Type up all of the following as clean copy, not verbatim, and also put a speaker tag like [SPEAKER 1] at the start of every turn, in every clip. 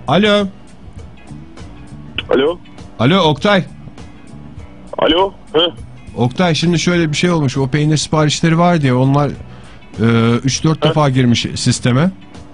[SPEAKER 1] Alo.
[SPEAKER 2] Alo.
[SPEAKER 1] Alo Oktay.
[SPEAKER 2] Alo. Hı.
[SPEAKER 1] Oktay, şimdi şöyle bir şey olmuş. O peynir siparişleri var diye onlar 3-4 defa girmiş sisteme.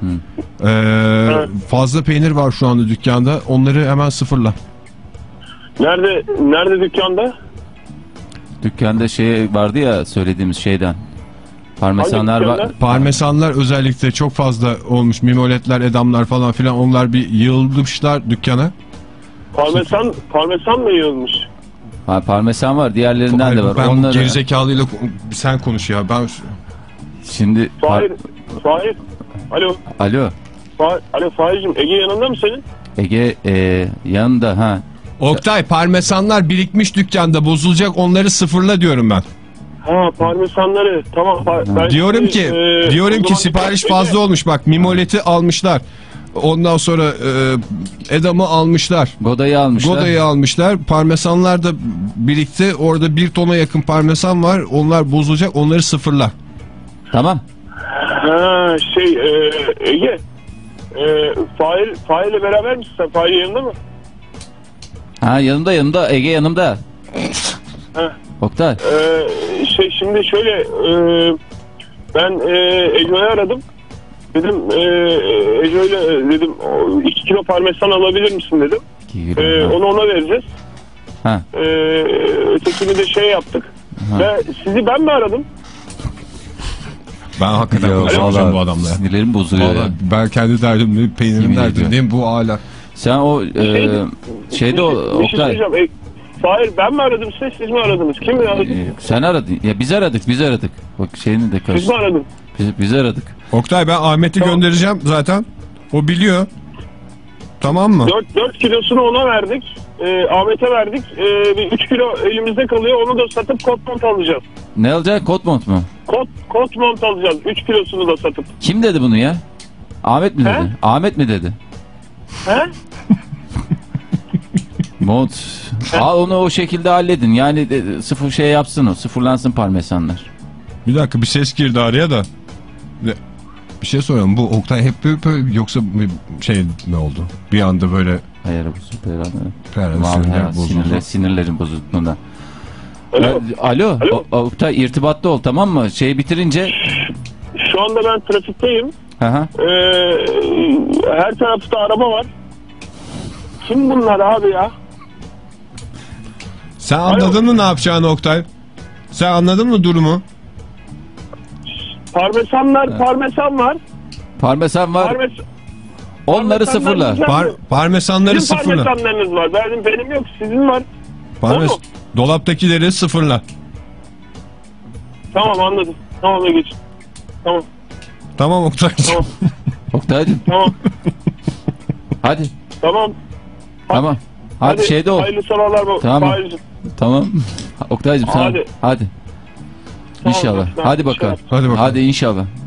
[SPEAKER 1] Fazla peynir var şu anda dükkanda. Onları hemen sıfırla.
[SPEAKER 2] Nerede dükkanda?
[SPEAKER 3] Dükkanda şey vardı ya, söylediğimiz şeyden. Parmesanlar var.
[SPEAKER 1] Parmesanlar özellikle çok fazla olmuş. Mimoletler, edamlar falan filan, onlar bir yığılmışlar dükkana.
[SPEAKER 2] Parmesan mı yığılmış?
[SPEAKER 3] Ha, parmesan var, diğerlerinden de var.
[SPEAKER 1] Ben
[SPEAKER 3] onları...
[SPEAKER 1] gerizekalıyla sen konuş ya. Ben
[SPEAKER 3] şimdi
[SPEAKER 2] Fahir. Alo.
[SPEAKER 3] Alo.
[SPEAKER 2] Fahir'cim, Ege yanında mı senin?
[SPEAKER 3] Ege yanında ha.
[SPEAKER 1] Oktay, parmesanlar birikmiş dükkanda, bozulacak, onları sıfırla diyorum ben.
[SPEAKER 2] Ha, parmesanları tamam. Ben
[SPEAKER 1] diyorum ki sipariş fazla olmuş, bak mimoleti almışlar. Ondan sonra edamı almışlar.
[SPEAKER 3] Goda'yı
[SPEAKER 1] almışlar. Parmesanlar da birikti. Orada 1 tona yakın parmesan var. Onlar bozulacak. Onları sıfırla.
[SPEAKER 3] Tamam.
[SPEAKER 2] Ha, Ege. Fahir'le beraber misin sen? Fahir yanında mı?
[SPEAKER 3] Ha, yanımda. Ege yanımda. Oktay.
[SPEAKER 2] Şimdi şöyle ben Ejo'yu aradım. Dedim Ejo'yla dedim 2 kilo parmesan alabilir misin dedim. Onu ona vereceğiz. Ötekini de yaptık. Ve sizi ben mi aradım?
[SPEAKER 1] Ben hakikaten konuşamayacağım bu adamla.
[SPEAKER 3] Sinirlerim bozuluyor ya.
[SPEAKER 1] Ben kendi derdimle peynirim derdindeyim, bu hala.
[SPEAKER 3] Sen o şeyde Oktay.
[SPEAKER 2] Hayır, ben mi aradım siz mi aradınız? Kim mi aradı?
[SPEAKER 3] Sen aradın. Ya biz aradık. Bak şeyini de karıştı.
[SPEAKER 2] Siz mi aradın?
[SPEAKER 3] Biz aradık.
[SPEAKER 1] Oktay, ben Ahmet'i göndereceğim zaten. O biliyor. Tamam mı?
[SPEAKER 2] 4 kilosunu ona verdik. Ahmet'e verdik. 3 kilo elimizde kalıyor. Onu da satıp kot mont alacağız.
[SPEAKER 3] Ne alacak? Kot mont mu?
[SPEAKER 2] Kot mont alacağız. 3 kilosunu da satıp.
[SPEAKER 3] Kim dedi bunu ya? Ahmet mi dedi? Ahmet mi dedi?
[SPEAKER 2] He?
[SPEAKER 3] Mont. Al onu o şekilde halledin. Yani sıfır şey yapsın o. Sıfırlansın parmesanlar. Bir
[SPEAKER 1] dakika, bir ses girdi araya da. Bir şey soruyorum. Bu Oktay hep böyle yoksa ne oldu? Bir anda böyle.
[SPEAKER 3] Hayır, bu sinirlerin bozulduğundan. Alo. Oktay, irtibatta ol, tamam mı? Bitirince.
[SPEAKER 2] Şu anda ben trafikteyim. Her tarafta araba var. Kim bunlar abi ya?
[SPEAKER 1] Sen anladın mı ne yapacağını Oktay? Sen anladın mı durumu?
[SPEAKER 2] Parmesan var.
[SPEAKER 3] Onları sıfırla.
[SPEAKER 1] Parmesanları sıfırla.
[SPEAKER 2] Parmesanlarınız var. Benim yok, sizin var.
[SPEAKER 1] Dolaptakileri sıfırla.
[SPEAKER 2] Tamam, anladım. Tamam, geç. Tamam.
[SPEAKER 1] Tamam Oktay.
[SPEAKER 2] Tamam.
[SPEAKER 3] Oktay'cım.
[SPEAKER 2] Tamam.
[SPEAKER 3] Hadi.
[SPEAKER 2] Tamam.
[SPEAKER 3] Hadi şeyde ol.
[SPEAKER 2] Hayırlı sabahlar.
[SPEAKER 3] Tamam. Oktay'cım sen. Hadi. İnşallah.
[SPEAKER 2] Tamam,
[SPEAKER 3] hadi bakalım.
[SPEAKER 1] Hadi
[SPEAKER 3] inşallah.